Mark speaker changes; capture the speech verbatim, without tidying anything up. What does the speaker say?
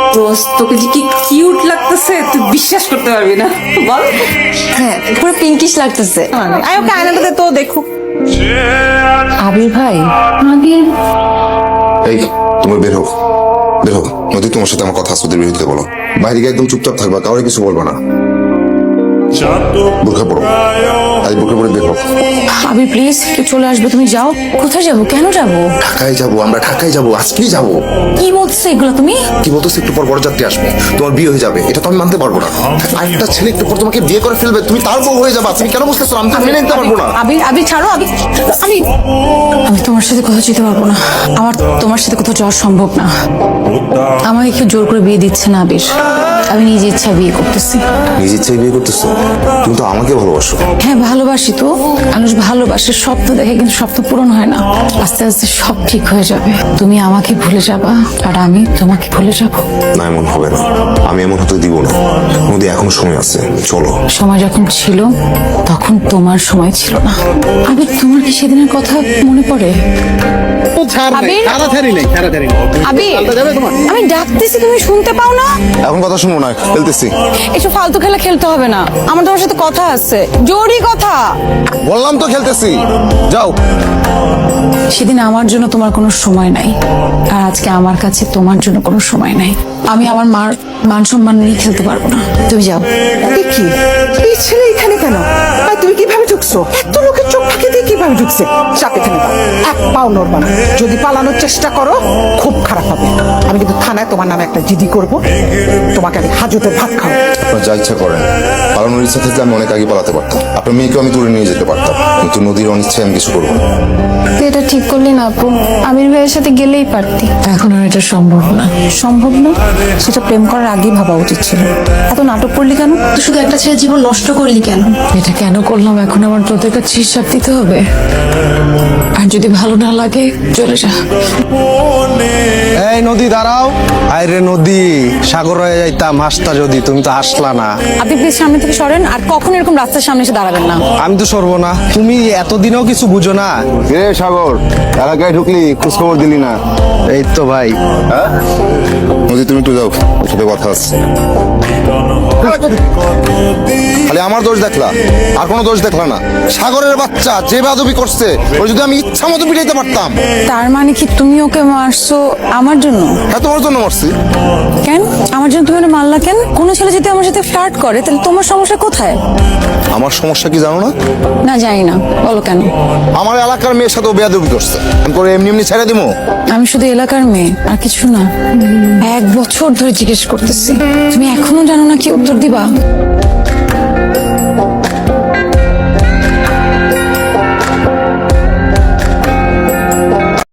Speaker 1: দোস্ত তোকে যে কি কিউট লাগতেছে তুই বিশ্বাস করতে পারবি না বল।
Speaker 2: হ্যাঁ পুরো পিঙ্কিশ লাগতেছে।
Speaker 1: আয় ওকে আয়নাটা দে তো দেখুক।
Speaker 2: আবির ভাই,
Speaker 1: আবির
Speaker 3: এই তুমি বের হোক, বের হোক। নদী তোমার সাথে আমার কথা আছে, ওদের বিরুদ্ধে বলো। বাইরে গিয়ে একদম চুপচাপ থাকবা, কাউরে কিছু বলবা না। বোরখা পড়ো, আজ বোরখা পরে বের হোক।
Speaker 2: আবির প্লিজ কেউ চলে আসবে, তুমি যাও। কোথায় যাবো, কেন যাবো?
Speaker 3: ঢাকায় যাবো, আমরা ঢাকায় যাবো, আজকেই যাবো।
Speaker 2: কি বলছো এগুলো তুমি?
Speaker 3: কি বলতো, একটু পর বড়যাত্রী আসবে, তোমার বিয়ে হয়ে যাবে, এটা তো আমি মানতে পারবো না। আরেকটা ছেলে একটু পর তোমাকে বিয়ে করে ফেলবে, তুমি তার বউ হয়ে যাবা, তুমি কেন বুঝতেছো? আমি তো মেনে নিতে পারবো না।
Speaker 2: আবির আবির ছাড়ো, আবির আমি আমি তোমার সাথে কোথাও যেতে পারবো না। আমার তোমার সাথে কোথাও যাওয়া সম্ভব না। আমাকে কেউ জোর করে বিয়ে দিচ্ছে না আবির, আমি নিজে ইচ্ছা বিয়ে করতেছি।
Speaker 3: নিজের ইচ্ছায় বিয়ে করতেছো? তুমি তো আমাকে ভালোবাসো।
Speaker 2: হ্যাঁ ভালোবাসি তো, মানুষ ভালোবাসে, স্বপ্ন দেখে, কিন্তু স্বপ্ন পূরণ হয় না। আস্তে আস্তে সব ঠিক হয়ে যাবে, তুমি আমাকে ভুলে যাবা আর আমি তোমাকে ভুলে যাব।
Speaker 3: না, এমন হবে না, আমি এমন হতে দিব না। নদী এখনো সময় আছে, চলো।
Speaker 2: সময় যখন ছিল তখন তোমার সময় ছিল না। আবির তোমার কি সেদিনের কথা মনে পড়ে? আবির, আবির, আমি ডাকতেছি তুমি শুনতে পাও না?
Speaker 3: এখন কথা শুনবো না, খেলতেছি।
Speaker 2: একটু ফালতু খেলা খেলতে হবে না, আমার তোমার সাথে কথা আছে, জরুরি কথা।
Speaker 3: বললাম তো খেলতেছি, যাও।
Speaker 2: সেদিন আমার জন্য তোমার কোনো সময় নাই, আর আজকে আমার কাছে তোমার জন্য কোনো সময় নাই। আমি আমার মার মান সম্মান নিয়ে খেলতে পারবো না, তুমি যাও।
Speaker 4: কি এই ছেলে এখানে কেন? আর তুমি কিভাবে ঢুকছো? এত লোকের চোখ ফাঁকি দিয়ে কিভাবে ঢুকছে? চাপ এখানে দাও, এক পাও নড়বা না। যদি পালানোর চেষ্টা করো খুব খারাপ হবে। আমি কিন্তু থানায় তোমার নামে একটা জিডি করব, তোমাকে আমি হাজতের ভাত খাও।
Speaker 3: আপনার যা ইচ্ছা করেন, পালানোর ইচ্ছা থাকলে আমি অনেক আগে পালাতে পারতাম, আপনার মেয়েকেও আমি তুলে নিয়ে যেতে পারতাম, কিন্তু নদীর অনিচ্ছায় আমি কিছু করবো না।
Speaker 2: তুই এটা ঠিক করলি না আপু, আমির ভাইয়ের সাথে গেলেই পারতি। এখন আর এটা সম্ভব না। সম্ভব না? সেটা প্রেম করার আগেই ভাবা উচিত ছিল। এত নাটক করলি কেন? তুই শুধু একটা ছেলের জীবন নষ্ট করলি কেন? এটা কেন করলাম এখন আমার তোদের কাছে হিসাব দিতে হবে। আর যদি ভালো না লাগে চলে যা।
Speaker 5: এই নদী দাঁড়াও। আরে নদী, সাগর হয়ে যাইতাম হাসতা যদি, তুমি তো হাসলা না।
Speaker 2: আপনি প্লিজ সামনে থেকে সরেন, আর কখনো এরকম রাস্তার সামনে এসে দাঁড়াবেন না।
Speaker 5: আমি তো সরবো না, তুমি এতদিনও কিছু বুঝো না।
Speaker 3: রে সাগর, এলাকায় ঢুকলি, খোঁজ খবর দিলি না।
Speaker 5: এই তো ভাই,
Speaker 3: নদী তুমি একটু যাও, ওর সাথে কথা আছে। খালি আমার দোষ দেখলা, আর কোনো দোষ দেখলা না। সাগরের বাচ্চা যে বাদবি করছে, ওর যদি আমি ইচ্ছা মতো পিটাইতে পারতাম।
Speaker 2: তার মানে কি তুমি ওকে মারছো আমার জন্য?
Speaker 3: হ্যাঁ, তোমার জন্য মারছি।
Speaker 2: কেন আমার জন্য তুমি ওকে মারলা কেন? কোনো ছেলে যদি আমার সাথে ফ্লার্ট করে তাহলে তোমার সমস্যা কোথায়?
Speaker 3: আমার সমস্যা কি জানো না?
Speaker 2: না জানি না, বলো কেন?
Speaker 3: আমার এলাকার মেয়ের সাথে ও বেয়াদবি করছে, আমি করে এমনি এমনি ছেড়ে দিবো?
Speaker 2: আমি শুধু এলাকার মেয়ে, আর কিছু না। এক বছর ধরে জিজ্ঞেস করতেছি, তুমি এখনো জানো না কি উত্তর দিবা?